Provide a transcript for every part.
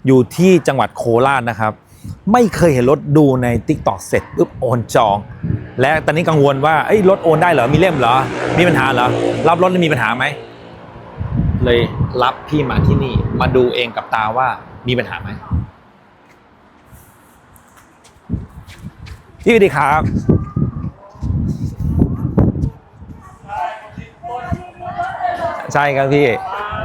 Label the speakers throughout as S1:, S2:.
S1: อยู่ที่จังหวัดโคราชนะครับไม่เคยเห็นรถดูใน TikTok เสร็จปุ๊บโอนจองและตอนนี้กังวลว่ารถโอนได้เหรอมีเล่มเหรอมีปัญหาเหรอรับรถมีปัญหาไหมเลยรับพี่มาที่นี่มาดูเองกับตาว่ามีปัญหาไหมพี่สวัสดีครับใช่ครับพี่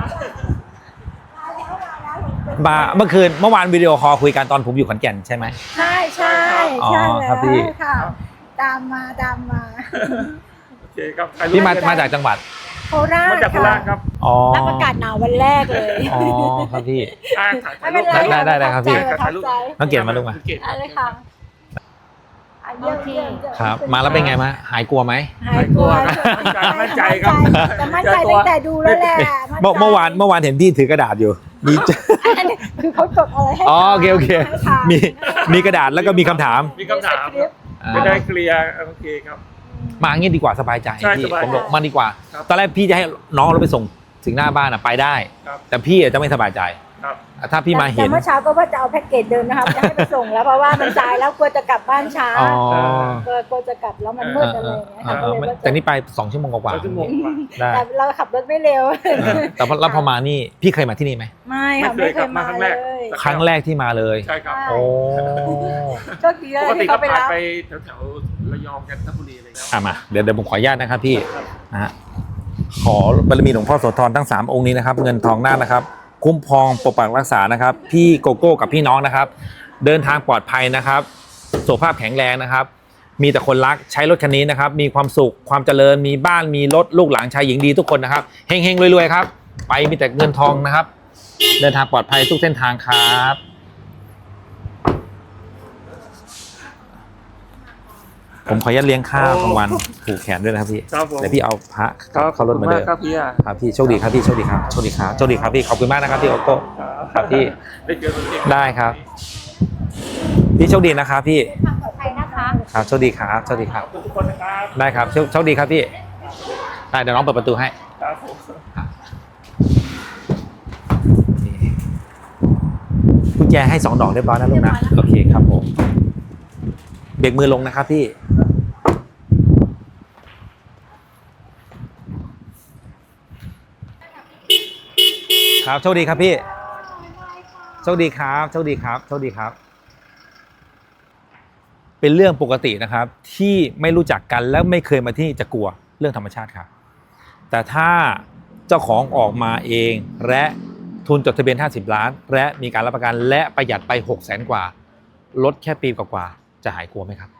S1: มาเมื่อวานวิดีโอคอลคุยกันตอนผมอยู่ขอนแก่นใช่ไหม
S2: ใช่ใช่
S1: อ๋อ
S2: ใช่
S1: ครับพี่
S2: ค่ะตามมา
S3: โอเคครับ
S1: พี่มาจากจังหวัด
S2: โคราช
S3: มาจากโคราชครับ
S1: อ๋อ
S2: รับอากาศหนาววันแรกเลย
S1: อ๋อครับพี่
S2: ไม่เป็นไร
S1: ได้ครับพี่
S2: ประทับใจ
S1: น้องเกียรติมาลูกมา
S2: อะไรค่ะเยี่ยม
S1: ครับมาแล้วเป็นไงมาหายกลัวไหม
S2: หายกลัว
S3: มั่นใจครับ
S2: แต่มั่นใจตั้งแต่ดูแล้วแหละ
S1: เมื่อวานเห็นพี่ถือกระดาษอยู่มี
S2: อันนี้คือเขาจดอะไรให้
S1: อ๋อโอเคมีกระดาษแล้วก็มีคำถาม
S3: มีคำถามจะได้เคลียร์โอเคครับ
S1: มางี้ดีกว่าสบายใจ
S3: ใช่
S1: พี่
S3: สบาย
S1: ผมบอกมาดีกว่า
S3: ครับ
S1: ตอนแรกพี่จะให้น้องเราไปส่งถึงหน้าบ้านไปได้
S3: ครับ
S1: แต่พี่จะไม่สบายใจ
S3: ครับ
S1: ถ้าพี่มาเห็น
S2: แต่เมื่อเช้าก็ว่าจะเอาแพ็กเกจเดิมนะครับจะให้ไปส่งแล้วเพราะว่ามันสายแล้วกลัวจะกลับบ้านช้า
S1: อ๋อก
S2: ลัวจะกลับแล้วมันมืดอะไรอย่างเงี้ยค่ะก็เลยว่า
S1: แต่นี่ไป2 ชั่วโมงกว่า
S3: ชั่วโมงกว่า
S1: ได้
S2: แต่เราขับรถไม่เร็ว
S1: แต่พอมานี่พี่เคยมาที่นี่ไหม
S2: ไม่ค่ะไม่เคยมาเลย
S1: ครั้งแรกที่มาเลย
S3: ใช่ครับ
S1: โอ้
S2: โชคดีเลย
S3: ปกติ
S2: ที่
S3: ก็
S2: เขาไป
S3: ผ่าน
S2: รับ
S3: ไปแถวระยองกันทบุรีอะไรแล้ว
S1: มาเดี๋ยวผมขออนุญาตนะครับพี่นะฮะขอบารมีหลวงพ่อโสธรทั้ง3องค์นี้นะครับเงินทองหน้านะครับคุ้มครองปกปักรักษานะครับพี่โกโก้กับพี่น้องนะครับเดินทางปลอดภัยนะครับสุขภาพแข็งแรงนะครับมีแต่คนรักใช้รถคันนี้นะครับมีความสุขความเจริญมีบ้านมีรถลูกหลานชายหญิงดีทุกคนนะครับเฮงๆรวยๆครับไปมีแต่เงินทองนะครับเดินทางปลอดภัยทุกเส้นทางครับผมขออนุญาตเลี้ยงข้าวกลางวันผูกแขนด้วยนะครับพี่
S3: ครับผม
S1: เดี๋ยวพี่เอาพระเข้ารถมาเดิน
S3: ครับพี่
S1: ครับพี่โชคดีครับพี่โชคดีครับโชคดีครับโชคดีครับพี่ขอบคุณมากนะครับพี่โอโก้ครับพี่
S3: ได้เจอตัวเอง
S1: ได้ครับพี่โชคดีนะครับพี่
S2: ทางปลอดภัยนะคะ
S1: ครับโชคดีครับโชคดีครับ
S3: ขอบคุณทุกคนนะครับ
S1: ได้ครับโชคดีครับพี่ได้เดี๋ยวน้องเปิดประตูให้
S3: ครับผม
S1: กุญแจให้2 ดอกเรียบร้อยนะลูกนะโอเคครับผมเบรกมือลงนะครับพี่ครับโชคดีครับพี่โชคดีครับโชคดีครับโชคดีครับเป็นเรื่องปกตินะครับที่ไม่รู้จักกันและไม่เคยมาที่นี่จะกลัวเรื่องธรรมชาติครับแต่ถ้าเจ้าของออกมาเองและทุนจดทะเบียน50 ล้านและมีการรับประกันและประหยัดไป600,000 กว่าลดแค่ปีกว่าๆจะหายกลัวไหมครับ